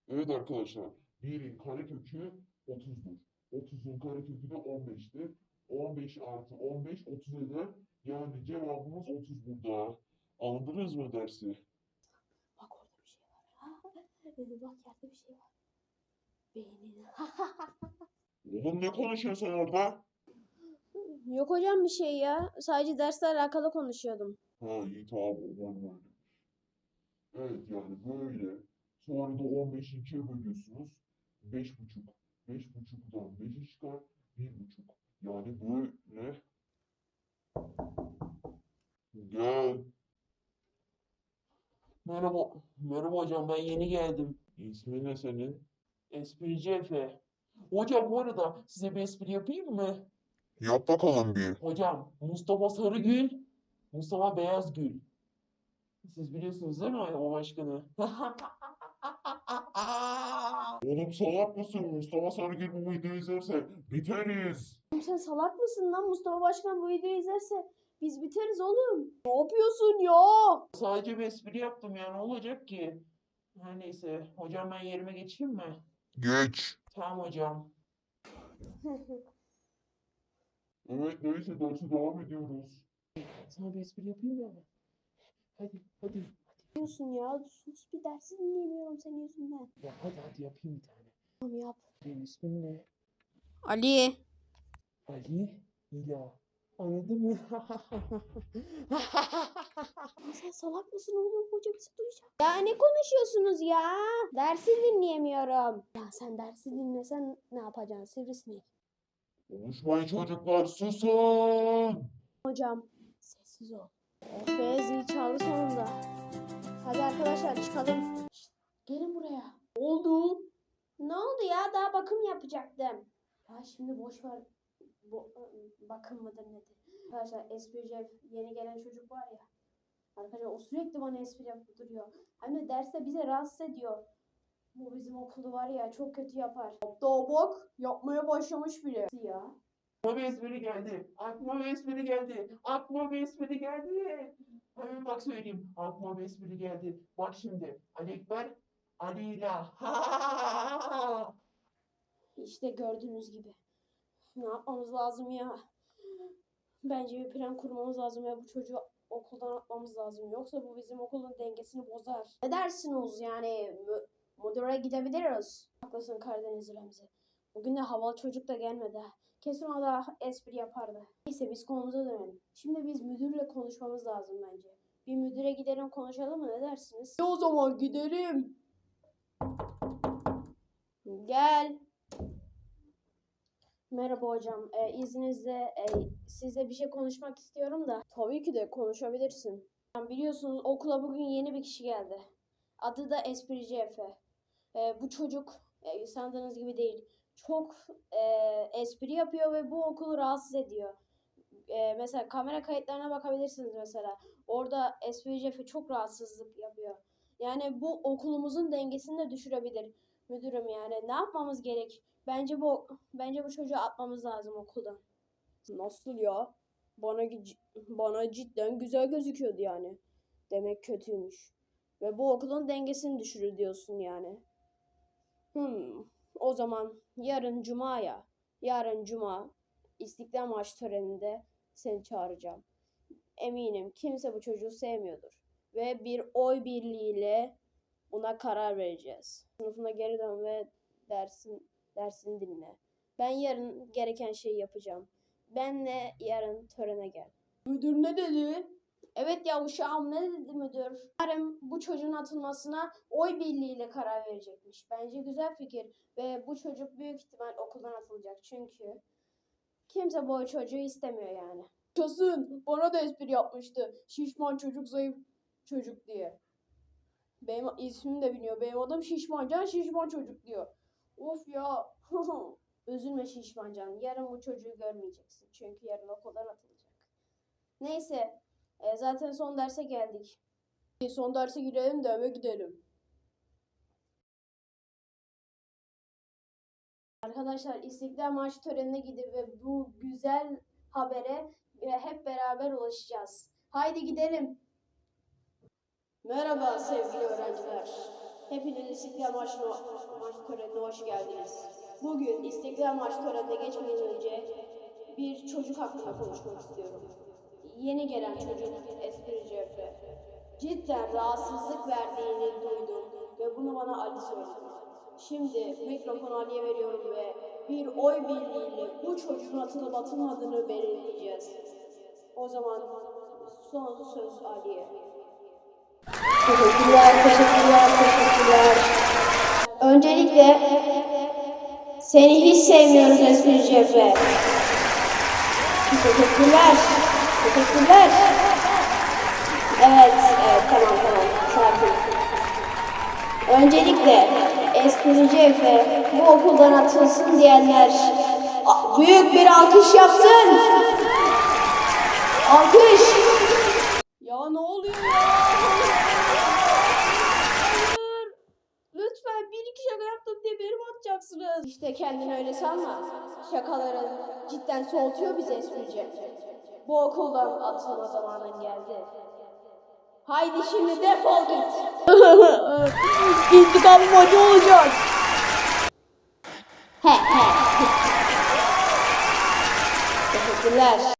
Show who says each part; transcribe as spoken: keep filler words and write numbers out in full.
Speaker 1: Evet arkadaşlar. birin karekökü otuzdur. otuzun karekökü de on beştir. on beş artı on beş otuz eder. Yani cevabımız otuz burada. Anladınız mı dersi?
Speaker 2: Bak orada bir şey var. Dedi bak yerde bir şey var. Beynin.
Speaker 1: Oğlum ne konuşuyorsun sen orada?
Speaker 2: Yok hocam bir şey ya. Sadece dersle alakalı konuşuyordum.
Speaker 1: Ha iyi tamam o öyle. Evet yani böyle. Sonra da on beşi ikiye bölüyorsunuz. beş buçuk. beş buçuktan beşi çıkar. bir buçuk. Yani böyle. Gel. Merhaba. Merhaba hocam ben yeni geldim. İsmin ne senin? Esprici Efe. Hocam bu arada size bir espri yapayım mı? Yap bakalım bir. Hocam Mustafa Sarıgül, Mustafa Beyazgül. Siz biliyorsunuz değil mi o başkanı? Oğlum salak mısın? Mustafa Sarıgül bu videoyu izlerse biteriz.
Speaker 2: Oğlum sen salak mısın lan? Mustafa Başkan bu videoyu izlerse biz biteriz oğlum. Ne yapıyorsun ya?
Speaker 1: Sadece bir espri yaptım ya ne olacak ki? Her neyse hocam ben yerime geçeyim mi? Geç. Tamam hocam. Evet neyse derse devam ediyoruz. Sana bir espri yapayım mı? Hadi hadi.
Speaker 2: Ne yapıyorsun ya? Sus bir dersi dinleyemiyorum senin yüzünden.
Speaker 1: Ya hadi hadi yapayım bir tane.
Speaker 2: Tamam yap.
Speaker 1: Benim ismim ne?
Speaker 2: Ali.
Speaker 1: Ali İla. Anladın mı?
Speaker 2: Sen salak mısın oğlum? Hoca bizi duyacak. Ya ne konuşuyorsunuz ya? Dersi dinleyemiyorum. Ya sen dersi dinlesen ne yapacaksın sivrisinek?
Speaker 1: Konuşmayın çocuklar susun.
Speaker 2: Hocam sessiz ol. Oh be zil çaldı sonunda. Hadi arkadaşlar çıkalım. Şşt, gelin buraya. Ne oldu? Ne oldu ya? Daha bakım yapacaktım. Ya şimdi boş ver. Bu, bakım mıdır nedir? Arkadaşlar esprici yeni gelen çocuk var ya. Arkadaşlar o sürekli bana espri yapıp duruyor. Hem de derste bize rahatsız ediyor. Bu bizim okulu var ya çok kötü yapar. Hatta bak yapmaya başlamış bile. Ya.
Speaker 1: Aklıma bir espri geldi. Aklıma bir espri geldi. Aklıma bir espri geldi. Hemen bak söyleyeyim. Aklıma bir espri geldi. Bak şimdi. Ali Ekber, Ali İla.
Speaker 2: İşte gördüğünüz gibi. Ne yapmamız lazım ya? Bence bir plan kurmamız lazım ya bu çocuğu okuldan atmamız lazım. Yoksa bu bizim okulun dengesini bozar. Ne dersiniz yani? Mü müdüre gidebiliriz. Haklısın Karadeniz Remzi. Bugün de havalı çocuk da gelmedi. Ha. Kesin o da espri yapardı. Neyse biz konumuza dönelim. Şimdi biz müdürle konuşmamız lazım bence. Bir müdüre gidelim konuşalım mı ne dersiniz? E o zaman gidelim. Gel. Merhaba hocam. Ee, izninizle e, size bir şey konuşmak istiyorum da. Tabii ki de konuşabilirsin. Yani biliyorsunuz okula bugün yeni bir kişi geldi. Adı da Esprici Efe. Ee, bu çocuk e, sandığınız gibi değil. Çok e, espri yapıyor ve bu okulu rahatsız ediyor. E, mesela kamera kayıtlarına bakabilirsiniz mesela. Orada Esprici Efe çok rahatsızlık yapıyor. Yani bu okulumuzun dengesini de düşürebilir. Müdürüm yani ne yapmamız gerek? Bence bu bence bu çocuğu atmamız lazım okuldan. Nasıl ya? Bana bana cidden güzel gözüküyordu yani. Demek kötüymüş. Ve bu okulun dengesini düşürür diyorsun yani. Hmm. O zaman yarın cuma ya. Yarın cuma İstiklal Marşı töreninde seni çağıracağım. Eminim kimse bu çocuğu sevmiyordur. Ve bir oy birliğiyle buna karar vereceğiz. Sınıfına geri dön ve dersin dersini dinle. Ben yarın gereken şeyi yapacağım. Benle yarın törene gel. Müdür ne dedi? Evet ya uşağım ne dedi müdür? Yarın bu çocuğun atılmasına oy birliğiyle karar verecekmiş. Bence güzel fikir ve bu çocuk büyük ihtimal okuldan atılacak çünkü kimse bu çocuğu istemiyor yani. Kesin bana da espri yapmıştı. Şişman çocuk zayıf çocuk diye. Benim ismimi de biliyor. Benim adım Şişmancan Şişman çocuk diyor. Of ya. Üzülme Şişmancan. Yarın bu çocuğu görmeyeceksin. Çünkü yarın okuldan atılacak. Neyse. E, zaten son derse geldik. Son derse girelim de eve gidelim. Arkadaşlar İstiklal Marşı törenine gidip ve bu güzel habere hep beraber ulaşacağız. Haydi gidelim. Merhaba sevgili öğrenciler. Hepiniz İstiklal Marşı, Marşı törenine hoş geldiniz. Bugün İstiklal Marşı törenine geçmeden önce bir çocuk hakkında konuşmak istiyorum. Yeni gelen çocuk Esprici Efe. Cidden rahatsızlık verdiğini duydum ve bunu bana Ali söyledi. Şimdi mikrofonu Ali'ye veriyorum ve bir oy birliğiyle bu çocuğun atılıp atılmadığını belirleyeceğiz. O zaman son söz Ali'ye. Teşekkürler, teşekkürler, teşekkürler. Öncelikle seni hiç sevmiyoruz Esprici Efe. Teşekkürler, teşekkürler. Evet, evet, tamam, tamam, sakin. Öncelikle Esprici Efe bu okuldan atılsın diyenler büyük bir alkış yapsın. Alkış. Ya ne oluyor ya? Hayır. Lütfen bir iki şaka yaptım diye beni mi atacaksınız? İşte kendini öyle sanma. Şakaların cidden soğutuyor bizi Esprici. Bu okuldan atılma zamanın geldi. Haydi şimdi defol git. İntikamım acı olacak. He he. Teşekkürler.